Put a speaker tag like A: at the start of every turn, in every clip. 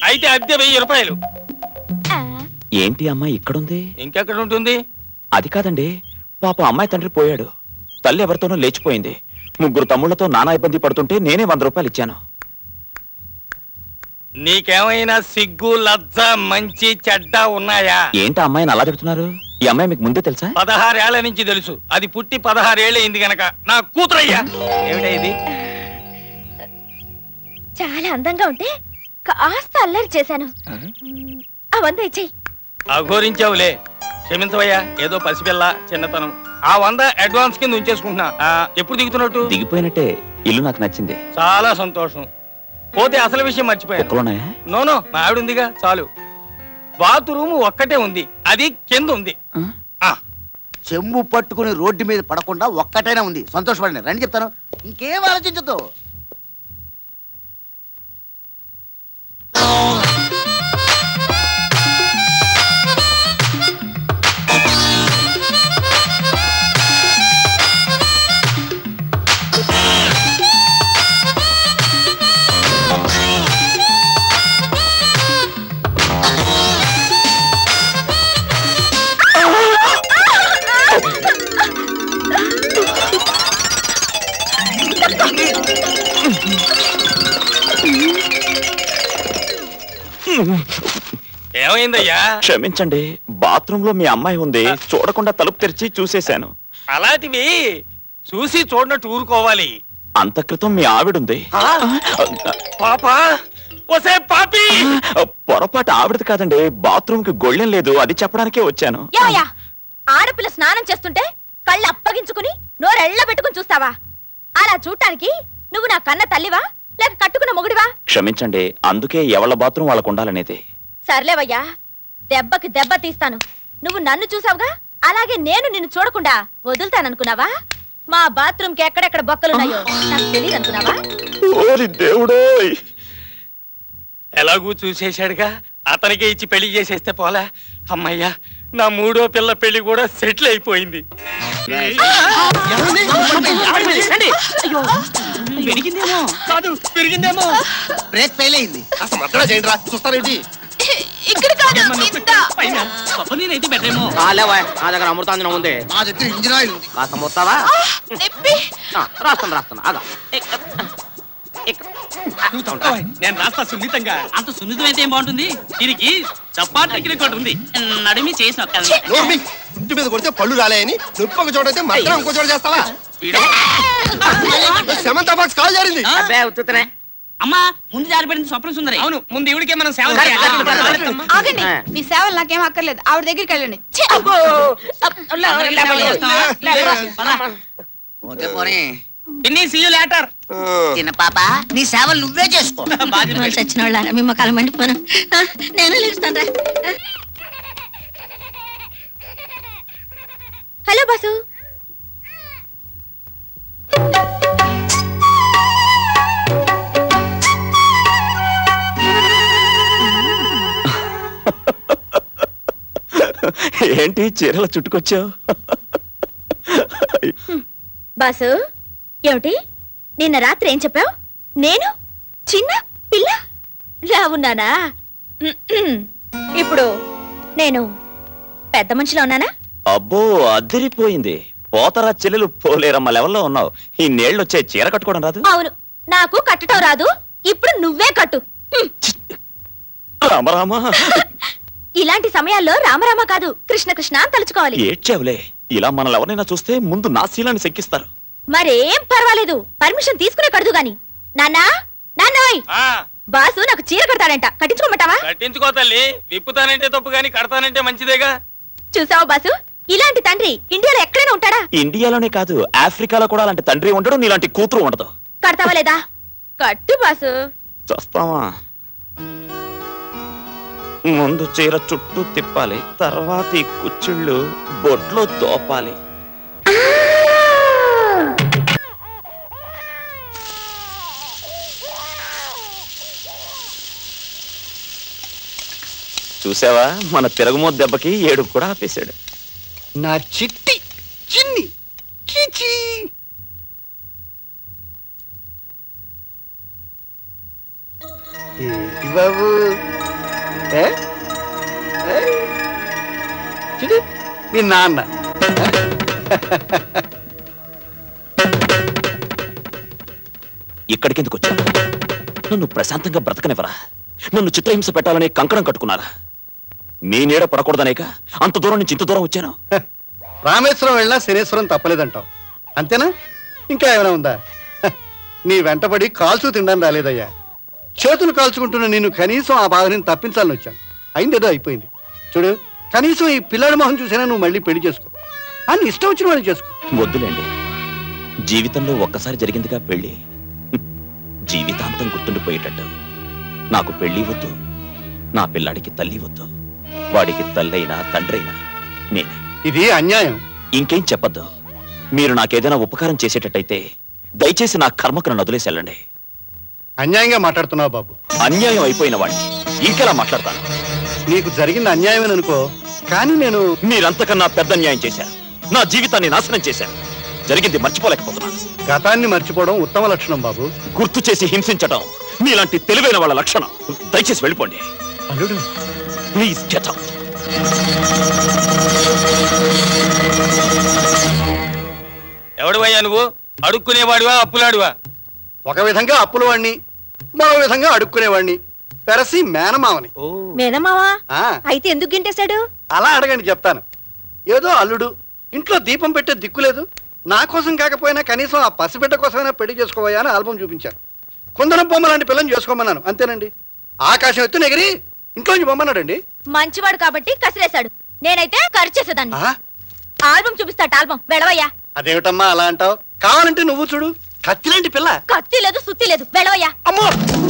A: అయితే అద్దె 1000 రూపాయలు.
B: ఏంటి అమ్మాయి ఇక్కడుంది?
A: ఇంకెక్కడ ఉంటుంది?
B: అది కాదండి, పాప అమ్మాయి తండ్రి పోయాడు, తల్లి ఎవరితోనో లేచిపోయింది, 3 తమ్ముళ్లతో నానా ఇబ్బంది పడుతుంటే నేనే 100 రూపాయలు ఇచ్చాను.
A: నీకేమైనా సిగ్గు లజ్జ మంచి చెడ్డ ఉన్నాయా?
B: ఏంటి అమ్మాయిని అలా తిడుతున్నారు? ఈ అమ్మాయి మీకు ముందే తెలుసా?
A: 16 ఏళ్ల నుంచి తెలుసు. అది పుట్టి 16 ఏళ్ళు అయింది గనక నా కూతురయ్యా. ఏమిటా ఇది?
C: చాలా అందంగా ఉంటే కాస్త అల్లరి చేశాను. ఆ 100 ఇచ్చేయి.
A: అఘోరించావులే, క్షమించవయ్యా. ఏదో పసిపిల్ల చిన్నతనం. ఆ 100 అడ్వాన్స్ కింద ఉంచేసుకుంటున్నా. ఎప్పుడు దిగుతున్నట్టు?
B: దిగిపోయినట్టే. ఇల్లు నాకు నచ్చింది.
A: చాలా సంతోషం. పోతే అసలు విషయం మర్చిపోయాను. నోనో, మా ఆవిడ ఉందిగా, చాలు. బాత్రూమ్ ఒక్కటే ఉంది, అది కింద ఉంది.
D: చెంబు పట్టుకుని రోడ్డు మీద పడకుండా ఒక్కటైనా ఉంది. సంతోషపడండి, రండి చెప్తాను. ఇంకేం ఆలోచించద్దు.
A: ఏమైందయ్యా?
B: క్షమించండి, బాత్రూమ్ లో మీ అమ్మాయి ఉంది, చూడకుండా తలుపు తెరిచి చూసేశాను.
A: అలాంటివి చూసి చూడనట్టు ఊరుకోవాలి.
B: అంత క్రితం మీ ఆవిడుంది.
A: పాపా, ఒసే పాపి!
B: పొరపాటు ఆవిడది కాదండి, బాత్రూమ్ కి గొళ్ళెం లేదు, అది చెప్పడానికే వచ్చాను.
C: ఆడపిల్ల స్నానం చేస్తుంటే కళ్ళు అప్పగించుకుని నోరెళ్ళ పెట్టుకుని చూస్తావా? అలా చూడటానికి నువ్వు నా కన్న తల్లివా లేక కట్టుకున్న మొగుడివా?
B: క్షమించండి, అందుకే ఎవళ్ళ బాత్రూమ్ వాళ్ళకు ఉండాలనేది.
C: సర్లేవయ్యా, దెబ్బకి దెబ్బ తీస్తాను. నువ్వు నన్ను చూసావుగా, అలాగే నేను నిన్ను చూడకుండా వదులుతాననుకున్నావా? మా బాత్రూమ్ కి ఎక్కడెక్కడ బొక్కలున్నాయో నాకు తెలియదు అనుకున్నావా?
B: దేవుడోయ్,
A: ఎలాగూ చూసేశాడుగా, అతనికే ఇచ్చి పెళ్లి చేసేస్తే పోలా. అమ్మయ్యా, నా 3వ పిల్ల పెళ్లి కూడా సెటిల్ అయిపోయింది. పెరిగిందేమో.
D: బ్రేక్ ఫెయిల్ అయింది.
E: అసలు మద్దరా చేయండి రా, చూస్తారేంటి?
C: ఇక్కడ కాదు,
F: నా దగ్గర అమృతాంజనం ఉంది.
D: మా దగ్గర ఇంజిన్ ఆయిల్ ఉంది.
F: కాస్త మొత్తావా? రాస్తాను ఆగా.
A: నేను రాస్తా సున్నితంగా.
G: అంత సున్నితమైతే ఏం బాగుంటుంది? దీనికి చపాతీ రికార్డు ఉంది. నడిమి చేసి
E: నోర్మి, ఇంటి మీద కొడితే పళ్ళు రాలేయని నొప్పి ఒక చోట అయితే మద్దరం ఇంకో చోట చేస్తావా? సెమంతా బాక్స్ కాల్ జారింది.
F: అబ్బే ఉత్తుతనే.
G: అమ్మా, ముందు జారిపడింది స్వప్న సుందరి.
A: అవును, ముందు ఇవిడికే మనం సేవ
H: ఆగండి, మీ సేవలు నాకేం అక్కర్లేదు. ఆవిడ దగ్గరికి వెళ్ళండి.
D: పోతే పోనీ.
H: చిన్న పాప, నీ సేవలు నువ్వే చేసుకో.
C: చచ్చిన వాళ్ళ మీ మొక్కలు మండిపోను. నేను లేస్తాను. Hello boss.
B: ఏంటి చీరలు చుట్టుకొచ్చావు?
C: బాసు, ఏమిటి నిన్న రాత్రి ఏం చెప్పావు? నేను చిన్న పిల్ల లా ఉన్నానా? ఇప్పుడు నేను పెద్ద మనిషిలో ఉన్నానా?
B: అబ్బో, అదిరిపోయింది. పోతరా చెల్లెలు పోలేరమ్మ లెవెల్లో ఉన్నావు. ఈ నీళ్ళు వచ్చే చీర కట్టుకోవడం రాదు?
C: అవును, నాకు కట్టడం రాదు. ఇప్పుడు నువ్వే కట్టు.
B: రామరామా.
C: ఇలాంటి సమయాల్లో రామరామ కాదు, కృష్ణ కృష్ణ అని తలుచుకోవాలి.
B: ఏడ్చావులే, ఇలా మనల్ని ఎవరైనా చూస్తే ముందు నా శీలాన్ని శంకిస్తారు.
C: మరేం పర్వాలేదు, పర్మిషన్ తీసుకునే కడదు గాని. నాన్నా, నాన్నోయ్, బాసు నాకు చీర కడతాడంట, కట్టించుకోమంటావా?
A: కట్టించుకో తల్లి. విప్పుతానంటే తప్పు గాని కడతానంటే మంచిదేగా.
C: చూసావా బాసు, ఇలాంటి తండ్రి ఇండియాలో ఎక్కడైనా ఉంటాడా?
B: ఇండియాలోనే కాదు, ఆఫ్రికాలో కూడా అలాంటి తండ్రి ఉండడు, నీలాంటి కూతురు ఉండదు.
C: కడతావా లేదా? కట్టు బాసు.
B: చూస్తావా? ముందు చీర చుట్టూ తిప్పాలి, తర్వాత ఈ కుచ్చిళ్ళు బొట్లో తోపాలి. చూసావా, మన తిరగమో దెబ్బకి ఏడుపు కూడా ఆపేశాడు.
D: నా చిట్టి చిన్ని చిచి. ఏంటి బాబు,
I: ఏ? ఏ? చూడు మీ నాన్న
B: ఇక్కడికెందుకు వచ్చాను? నన్ను ప్రశాంతంగా బ్రతకనివ్వరా? నన్ను చిత్రహింస పెట్టాలనే కంకణం కట్టుకున్నారా? మీ నీడ పడకూడదనేక అంత దూరం నుంచి ఇంత దూరం వచ్చాను.
I: రామేశ్వరం వెళ్ళినా శనేశ్వరం తప్పలేదంటావు అంతేనా? ఇంకా ఏమైనా ఉందా? హ, నీ వెంటబడి కాల్చు తినడం రాలేదయ్యా. చేతులు కాల్చుకుంటున్న నిన్ను కనీసం ఆ బాధని తప్పించాలని వచ్చాను. అయిందేదో అయిపోయింది. చూడు, కనీసం ఈ పిల్లడి మొహం చూసినా నువ్వు మళ్ళీ పెళ్లి చేసుకో. అని ఇష్టం వచ్చిన వాళ్ళు చేసుకో.
B: వద్దులేండి, జీవితంలో ఒక్కసారి జరిగిందిగా పెళ్లి. జీవితాంతం గుర్తుండిపోయేటట్టు. నాకు పెళ్లి వద్దు, నా పిల్లాడికి తల్లి వద్దు. వాడికి తల్లైనా తండ్రైనా నేనే.
I: ఇది అన్యాయం.
B: ఇంకేం చెప్పద్దు. మీరు నాకేదైనా ఉపకారం చేసేటట్టయితే దయచేసి నా కర్మకు నన్ను వదిలేసి వెళ్ళండి.
I: అన్యాయంగా మాట్లాడుతున్నావు బాబు.
B: అన్యాయం అయిపోయిన వాడిని ఇంకెలా మాట్లాడతాను?
I: నీకు జరిగింది అన్యాయమని అనుకో, కానీ నేను
B: మీరంతకన్నా పెద్ద అన్యాయం చేశారు. నా జీవితాన్ని నాశనం చేశారు. జరిగింది మర్చిపోలేకపోతున్నాను.
I: గతాన్ని మర్చిపోవడం ఉత్తమ లక్షణం బాబు.
B: గుర్తు చేసి హింసించడం మీలాంటి తెలివైన వాళ్ళ లక్షణం. దయచేసి వెళ్ళిపోండి.
I: అల్లుడు,
B: ప్లీజ్ గెట్ అవుట్.
A: ఎవడువయ్యా నువ్వు? అడుక్కునేవాడివా అప్పులాడివా?
I: ఒక విధంగా అప్పుల వాణ్ణి, మరో విధంగా అడుక్కునేవాణ్ణి, పెరసి మేనమావని.
C: మేనమావా
I: ఆ,
C: అయితే ఎందుకు గింటేశాడు?
I: అలా అడగండి చెప్తాను. ఏదో అల్లుడు, ఇంట్లో దీపం పెట్టే దిక్కులేదు, నా కోసం కాకపోయినా కనీసం ఆ పసిబిడ్డ కోసమైనా పెళ్లి చేసుకోవా అని ఆల్బం చూపించాను. కుందనం బొమ్మ లాంటి పిల్లని చేసుకోమన్నాను, అంతేనండి. ఆకాశం ఎత్తు నెగిరి ఇంట్లోంచి బొమ్మన్నాడండి.
C: మంచివాడు కాబట్టి కసిరేశాడు. నేనైతే ఖర్చు చేసేదాన్ని.
I: ఆ,
C: ఆల్బం చూపిస్తాట ఆల్బం. వెళ్ళవయ్యా.
I: అదేమిటమ్మా అలా అంటావు? కావాలంటే నువ్వు చూడు, కత్తిలాంటి పిల్ల.
C: కత్తి లేదు, సుత్తి లేదు. వెళ్ళవయ్యా.
I: అమ్మో,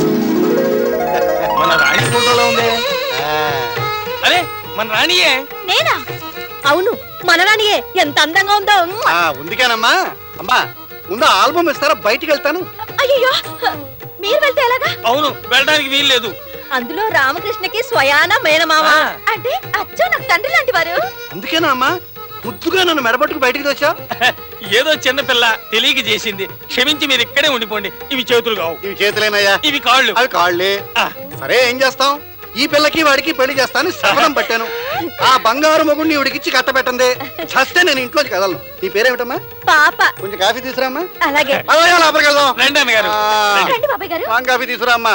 A: మన రాణి ఫోటోలో ఉంది.
I: ఆ,
A: అరే మన రాణియే.
C: నేనా? అవును, మనరానియే. ఎంత అందంగా ఉందో.
I: ఆ, ఉందికేనమ్మా. అమ్మా, ముందు ఆల్బం ఇస్తారా? బయటికి వెళ్తాను.
C: అయ్యో, మీరు వెళ్తే ఎలాగా?
A: అవును, వెళ్ళడానికి వీల్లేదు.
C: అందులో రామకృష్ణకి స్వయాన మేనమామ
A: ఆ.
C: అంటే అచ్చో నాకు తండ్రి లాంటి వారు.
I: అందుకేనా అమ్మా ముద్దుగా నన్ను మెడబట్టుకు బయటికి వచ్చా?
A: ఏదో చిన్న పిల్ల తెలియక చేసింది. క్షమించి మీరు ఇక్కడే ఉండిపోండి. ఇవి చేతులు కావు,
I: ఇవి చేతులేనయ్యా.
A: ఇవి కాళ్ళు.
I: అవి కాళ్ళే.
A: ఆ.
I: సరే, ఏం చేస్తాం? ఈ పిల్లకి వాడికి పెళ్లి చేస్తాను శపథం పట్టాను. ఆ బంగారు మొగుడిని ఇవిడికిచ్చి కట్టబెట్టందే చస్తే నేను ఇంట్లోకి కదలను. నీ పేరేమిటమ్మా?
C: పాప.
I: కొంచెం కాఫీ తీసుకురామ్మా.
C: అలాగే.
I: అలాగే లోపలికి వెళ్దాం.
A: రండి అన్నగారు.
I: ఆ,
C: రండి బాబాయ్ గారు.
I: కాఫీ తీసుకురామ్మా.